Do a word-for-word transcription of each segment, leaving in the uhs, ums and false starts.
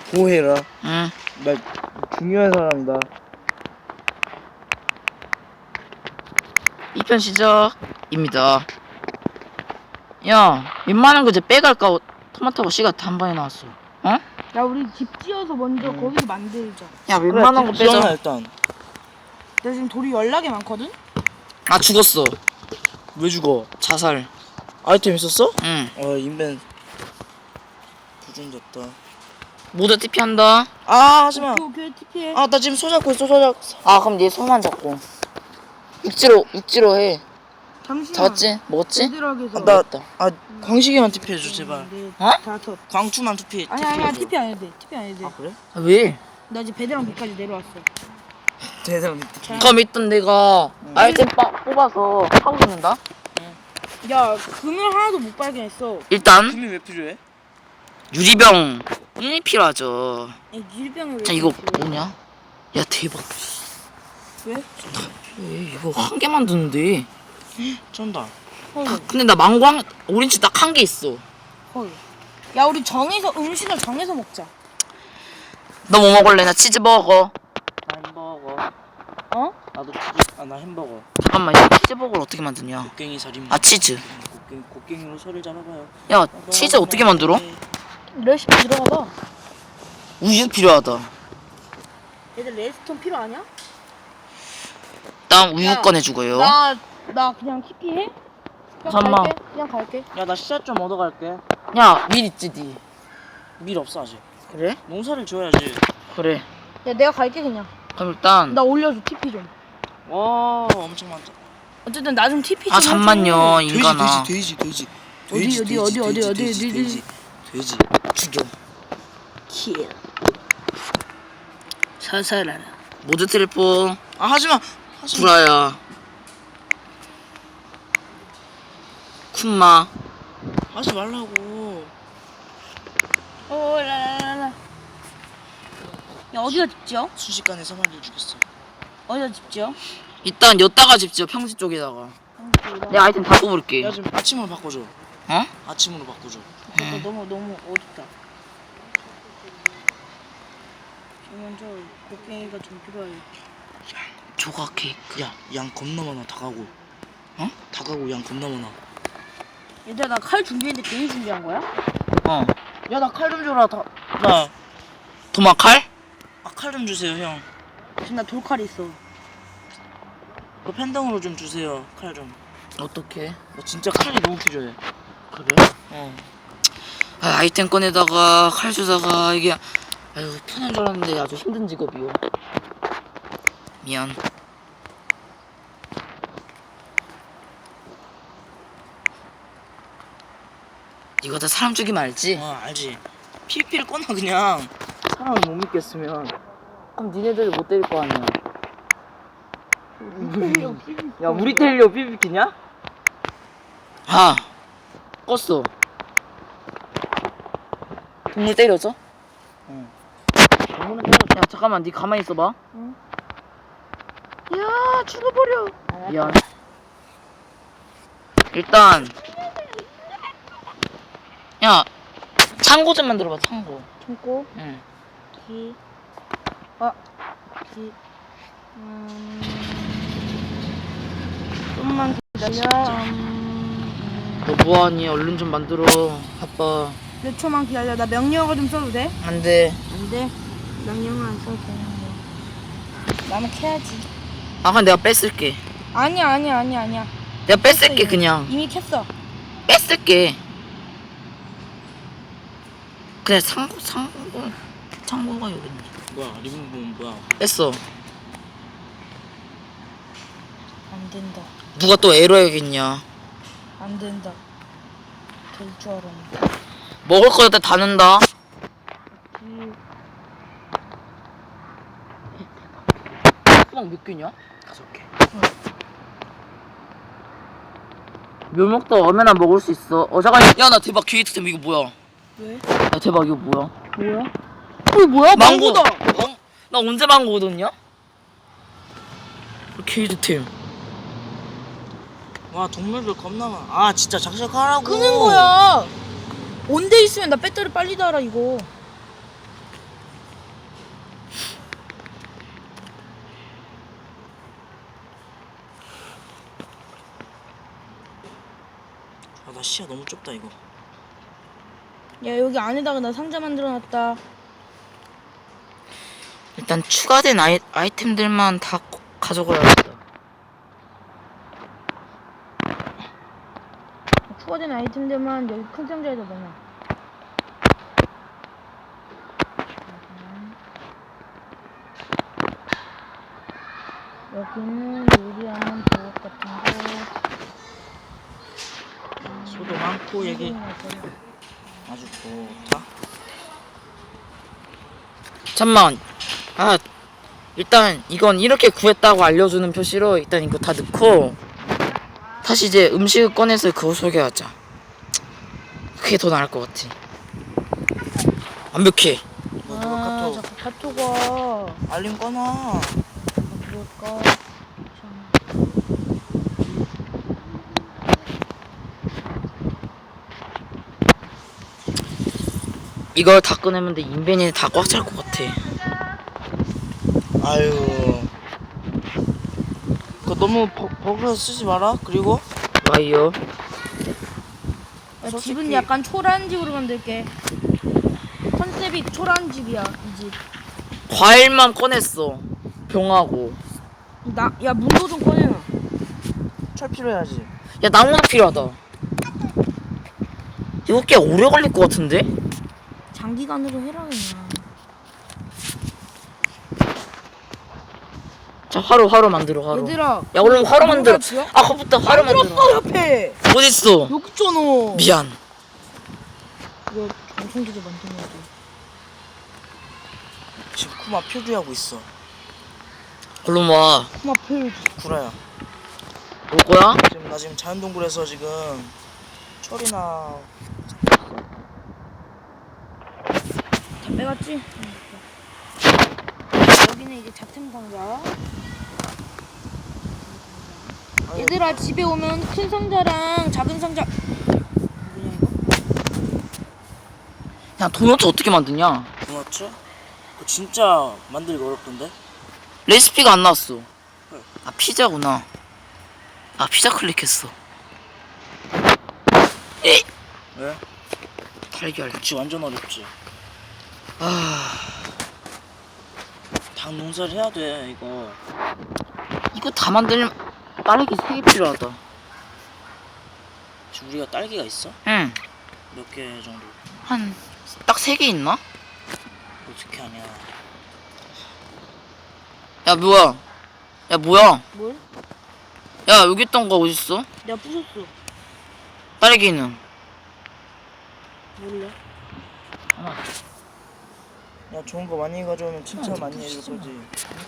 보호해라. 응. 나 중요한 사람이다. 이 편 시작입니다. 야, 웬만한 거 이제 빼갈까? 토마토가 씨가 한 번에 나왔어. 어? 야 우리 집 지어서 먼저 음. 거기서 만들자. 야, 웬만한 거 지어놔, 빼자. 일단. 나 지금 돌이 연락이 많거든? 아, 죽었어. 왜 죽어? 자살. 아이템 있었어? 응. 어, 인벤 부정졌다. 모두 티피 한다. 아, 하지마. 오케이 오케이 티피해. 아, 나 지금 손 잡고 있어, 손 잡고 있어. 아, 그럼 네 손만 잡고. 육지로, 육지로 해. 잠시만. 잡았지? 먹었지? 제대로 해서. 아, 나, 아, 광식이만 티피해줘, 제발. 네, 어? 다섯. 광추만 투피, 아니 아니야 티피해줘. 티피 안 해도 돼. 티피 안 해도 돼. 아, 그래? 아, 왜? 나 이제 배드랑 비까지 내려왔어. 대단. 그럼 일단 내가 아이템 빠, 뽑아서 하고 있는다. 야 금을 하나도 못 발견했어. 일단 금이 왜 필요해? 유리병이 필요하죠. 이 유리병을 왜? 자, 이거 이렇게 필요해? 뭐냐? 야, 대박. 왜? 에 이거 한 개 만드는데. 쩐다. 헐. 근데 나 망고 한, 오렌지 딱 한 개 있어. 헐. 야 우리 정해서 음식을 정해서 먹자. 너 뭐 먹을래? 나 치즈 버거. 나 햄버거. 어? 나도 치즈, 아, 나 햄버거. 잠깐만, 이 치즈 버거를 어떻게 만드냐? 곡괭이 살인. 아, 치즈. 곡괭이, 곡괭이로 소를 잡아봐요. 야, 치즈 어떻게 만들어? 레시피 들어가봐. 우유 필요하다. 얘들 레스톤 필요하냐? 일단 우유 야, 꺼내주고요. 나, 나 그냥 티피해? 그냥 잠깐만. 갈게. 그냥 갈게. 야, 나 씨앗 좀 얻어갈게. 야, 밀 있지, 니. 밀 없어, 아직. 그래? 농사를 지어야지. 그래. 야 내가 갈게 그냥. 그럼 일단. 나 올려줘 티피 좀. 와, 엄청 많다. 어쨌든 나 좀 티피 좀. 아, 잠만요, 돼지, 인간아. 돼지, 돼지, 돼지. 어디, 돼지, 어디, 돼지, 어디, 어디, 돼지, 어디, 돼지, 어디, 돼지, 돼지. 죽여. 킬. 사살하라. 모드 트리플. 아, 하지마. 하지마. 구라야. 쿤마. 하지 말라고. 오 라라라라. 야 어디가 집지어? 순식간에 사마리를 죽였어. 어디가 집지어? 일단 여따가 집지어, 평지 쪽에다가. 내 아이템 다 뽑을게. 야, 좀 아침으로 바꿔줘. 어? 아침으로 바꿔줘. 나 너무 너무 어둡다. 지금 먼저 곡괭이가 좀 필요해. 조각 케이크. 야, 양 겁나 많아. 다가고. 어? 다가고 양 겁나 많아. 얘들아 나 칼 준비했는데 괜히 준비한 거야? 어. 야, 나 칼 좀 줘라. 다, 나. 도마칼? 아, 칼 좀 주세요, 형. 지금 나 돌칼 있어. 그 펜덩으로 좀 주세요. 칼 좀. 어떻게? 나 진짜 칼이 너무 필요해. 그래? 어. 아, 아이템 꺼내다가 칼 주다가 이게 아유 편한 줄 알았는데 아주 힘든 직업이요. 미안. 이거 다 사람 죽이면 알지? 어, 알지. 피피를 꺼놔, 그냥. 사람을 못 믿겠으면. 그럼 니네들이 못 때릴 거 아니야. 야, 우리 텔리오 피피키냐? 아 껐어. 동물 때려줘? 응. 야 잠깐만 니 가만히 있어봐. 응. 야 죽어버려. 미안. 일단 야 창고 좀 만들어봐. 창고. 참고 응. 기. 아 기. 음. 좀만 기다려. 음. 너 뭐하니? 얼른 좀 만들어. 바빠. 몇 초만 기다려. 나 명령어 좀 써도 돼? 안돼. 안 돼. 명령어 안 써도 되는데. 나는 캐야지. 아 그럼 내가 뺏을게. 아니야 아니야 아니야 아니야. 내가 뺏을게 그냥. 이미 캤어. 뺏을게. 그냥 창고 창고 창고가 여기 있네. 뭐야, 리본보면 뭐야. 뺐어. 안 된다. 누가 또 에러 해야겠냐. 안 된다. 될 줄 알았는데. 먹을 거에다 다 넣는다. 기. 수박 몇 개냐? 다섯 개. 묘목도 얼마나 먹을 수 있어. 어 잠깐. 야나 대박 기회템 이거 뭐야? 왜? 야 대박 이거 뭐야? 뭐야? 어 뭐야? 망고다. 망... 나 언제 망고 얻었냐? 기회템. 와, 동물들 겁나 많아. 아, 진짜 작작하라고. 끄는 거야. 온데 있으면 나 배터리 빨리 달아 이거. 아, 나 시야 너무 좁다 이거. 야 여기 안에다가 나 상자 만들어놨다. 일단 추가된 아이, 아이템들만 다 고- 가져가야겠다. 추가된 아이템들만 여기 큰 상자에다 넣어. 여기는 요리하는 도구 같은 거. 소도 많고 여기 아주 좋다. 잠만. 아 일단 이건 이렇게 구했다고 알려주는 표시로 일단 이거 다 넣고 다시 이제 음식을 꺼내서 그거 소개하자. 그게 더 나을 것 같아. 완벽해. 뭐 누가 아, 카톡 자꾸 카톡아. 알림 꺼놔. 아, 그럴까? 참. 이걸 다 꺼내면 내 인벤이 다 꽉 찰 것 같아. 아유. 그거 너무 버, 버그로 쓰지 마라. 그리고 와이어. 야, 솔직히- 집은 약간 초라한 집으로 만들게. 컨셉이 초라한 집이야, 이 집. 과일만 꺼냈어. 병하고. 나, 야, 문도 좀 꺼내놔. 철 필요해야지. 야 나무가 필요하다. 이거 꽤 오래 걸릴 것 같은데? 장기간으로 해라, 그냥. 자 화로 화로 만들어 화로. 얘들아. 야 얼른 화로 만들어. 지어? 아 그부터 화로 만들어. 만들었어, 옆에. 어딨어? 여기 있잖아. 미안. 이거 전송기도 만들어야지. 지금 쿠마 표기하고 있어. 얼른 와. 그만 펴야지. 구라야. 올 거야? 지금 나 지금 자연동굴에서 지금 철이나 다 빼갔지? 여기는 이제 잡템 상자. 얘들아, 집에 오면 큰 상자랑 작은 상자. 뭐냐, 이거? 야 도넛 어떻게 만드냐? 도넛츠? 그거 진짜 만들기 어렵던데? 레시피가 안 나왔어. 아 피자구나. 아 피자 클릭했어. 에 왜? 달걀. 그치 완전 어렵지. 아 닭 농사를 해야 돼 이거. 이거 다 만들면 딸기 세 개 필요하다. 지금 우리가 딸기가 있어? 응. 몇 개 정도? 한 딱 세 개 있나? 어떻게 하냐. 야 뭐야? 야 뭐야? 뭘? 야 여기 있던 거 어딨어? 내가 부쉈어. 딸기는? 몰라. 야 좋은 거 많이 가져오면 칭찬 많이 해줄 거지.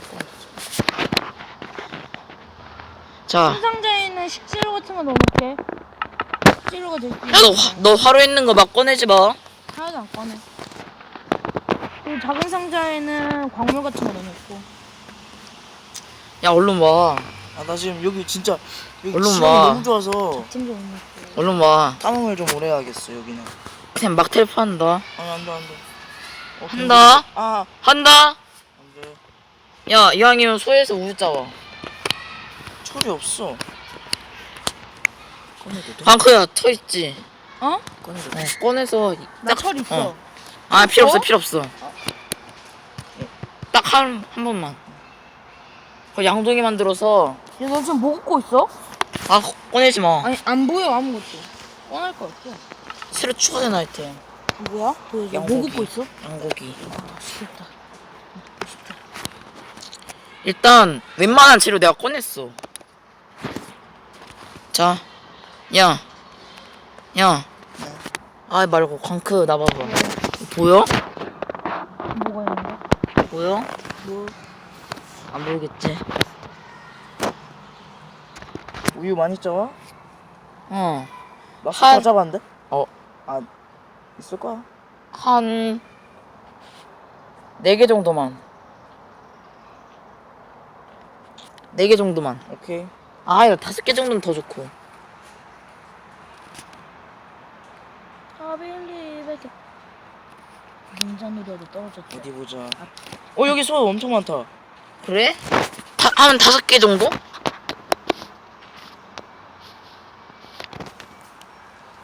자. 큰 상자에는 식재료 같은 거 넣어놓게. 식재료가 될 수 있는. 야 너 너 화로 있는 거 막 꺼내지 마. 하나도 안 꺼내. 그리고 작은 상자에는 광물 같은 거 넣어놓고. 야 얼른 와. 아 나 지금 여기 진짜 여기 얼른 지형이 와. 너무 좋아서 잡템 좀 넣어놓고. 얼른 와. 땀을 좀 오래 하겠어 여기는. 그냥 막 텔포한다. 아니 안돼 안돼. 어, 한다. 아 한다. 안돼. 야 이왕이면 소에서 우유 짜와. 철이 없어. 꺼내도 돼? 방크야 터 있지. 어? 꺼내도 어, 돼? 꺼내서 나 철 있어. 어. 아 필요 없어 어? 필요 없어. 딱 한 한 번만. 그 양동이 만들어서 야, 너 지금 뭐 굽고 있어? 아 꺼내지 마. 아니, 안 보여, 아무것도. 꺼낼 거 없어. 새로 추가된 아이템. 뭐야? 보여줘. 뭐 양고기. 굽고 있어? 양고기. 아, 시켰다. 먹고 싶다. 일단 웬만한 재료 내가 꺼냈어. 자, 야, 야. 아 말고 광크 나 봐봐. 보여? 뭐가 있는데? 보여? 뭐? 안 보이겠지? 우유 많이 짜와? 어, 나 한- 다 잡았는데? 어. 아 있을 거야. 한 네 개 정도만. 네 개 정도만. 오케이. 아, 이거 다섯 개 정도는 더 좋고. 아빌리베게. 민자놀이라도 떨어졌대. 어디 보자. 어 여기 소 엄청 많다. 그래? 다, 한 다섯 개 정도?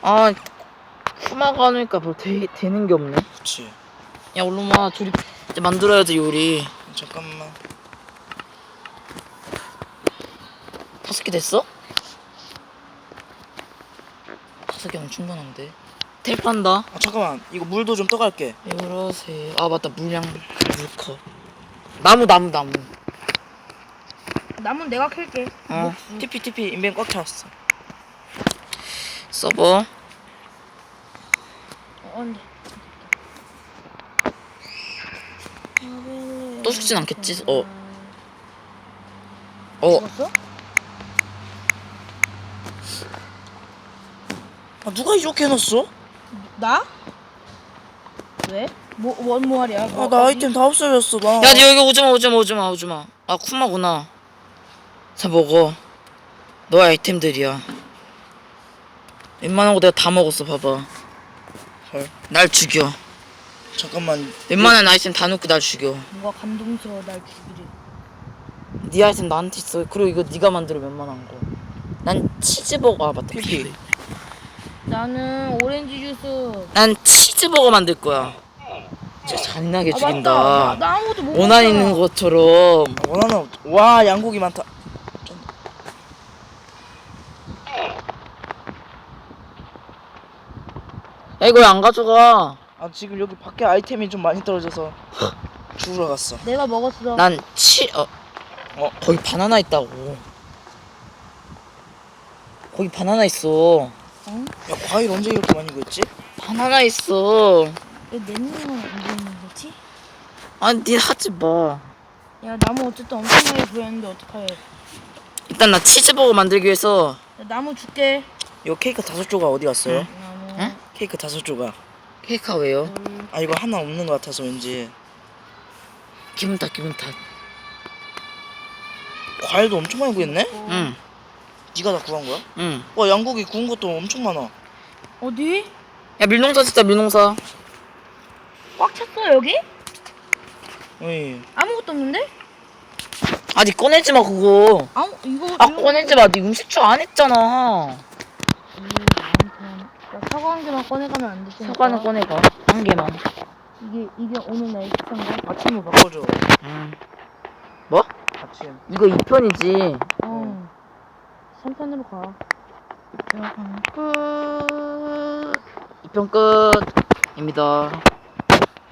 아 쿠마가 하니까 뭐 되, 되는 게 없네. 그치. 야 얼른 와. 둘이 이제 만들어야지 요리. 잠깐만. 다섯 개 됐어? 다섯 개면 충분한데. 텔판다. 아 잠깐만. 이거 물도 좀 떠갈게. 이러세요. 아 맞다 물량 물컵. 나무 나무 나무. 남은 내가 캘게. 어. 티피 티피 인벤 꽉 찼어. 서버. 어, 안돼. 또 죽진 않겠지? 어. 어. 죽었어? 아 누가 이렇게 해놨어? 나? 왜? 뭐 원모알이야? 아 나 아이템 다 없어졌어 나. 야, 니 여기 오지마, 오지마, 오지마, 오지마. 아, 쿠마구나. 자, 먹어. 너의 아이템들이야. 웬만한 거 내가 다 먹었어, 봐봐. 헐. 날 죽여. 잠깐만. 웬만한 아이템 다 넣고 날 죽여. 뭔가 감동스러워 날 죽이래. 네 아이템 나한테 있어. 그리고 이거 네가 만들어, 웬만한 거. 난 치즈버거, 아, 맞다. 피피. 나는 오렌지 주스. 난 치즈버거 만들 거야. 진짜 잔인하게 아 죽인다. 맞다. 나, 나 아무것도 못 원한 먹잖아. 있는 것처럼. 아, 원하나 없- 와 양고기 많다. 야, 이거 왜 안 가져가? 아 지금 여기 밖에 아이템이 좀 많이 떨어져서 죽으러 갔어. 내가 먹었어. 난 치, 어, 어? 거기 바나나 있다고. 거기 바나나 있어. 야 과일 언제 이렇게 많이 구했지? 바나나 있어. 왜 낸님은 안 보이는 거지? 아니, 니 하지 마. 야 나무 어쨌든 엄청나게 보였는데 어떡해. 일단 나 치즈버거 만들기 위해서 야, 나무 줄게. 이거 케이크 다섯 조각 어디 갔어요? 응. 나무. 응? 케이크 다섯 조각. 케이크가 왜요? 둘. 아 이거 하나 없는 것 같아서 왠지. 기분 탓, 기분 탓. 과일도 엄청 많이 구했네? 응, 네가 다 구한 거야? 응. 와 양고기 구운 것도 엄청 많아. 어디? 야, 밀농사 진짜 밀농사. 꽉 찼어 여기? 어이. 아무것도 없는데? 아, 니 꺼내지 마, 그거. 아무 이거. 아, 이거- 꺼내지 마. 니 음식초 안 했잖아. 음, 아무튼. 야, 사과 한 개만 꺼내가면 안 되지? 사과는 꺼내가. 한 개만. 이게 이게 오늘 날 식사인 거? 아침을 바꿔줘. 응. 뭐? 아침. 이거 이 편이지. 어. 삼 편으로 가. 끝. 이 편 끝입니다.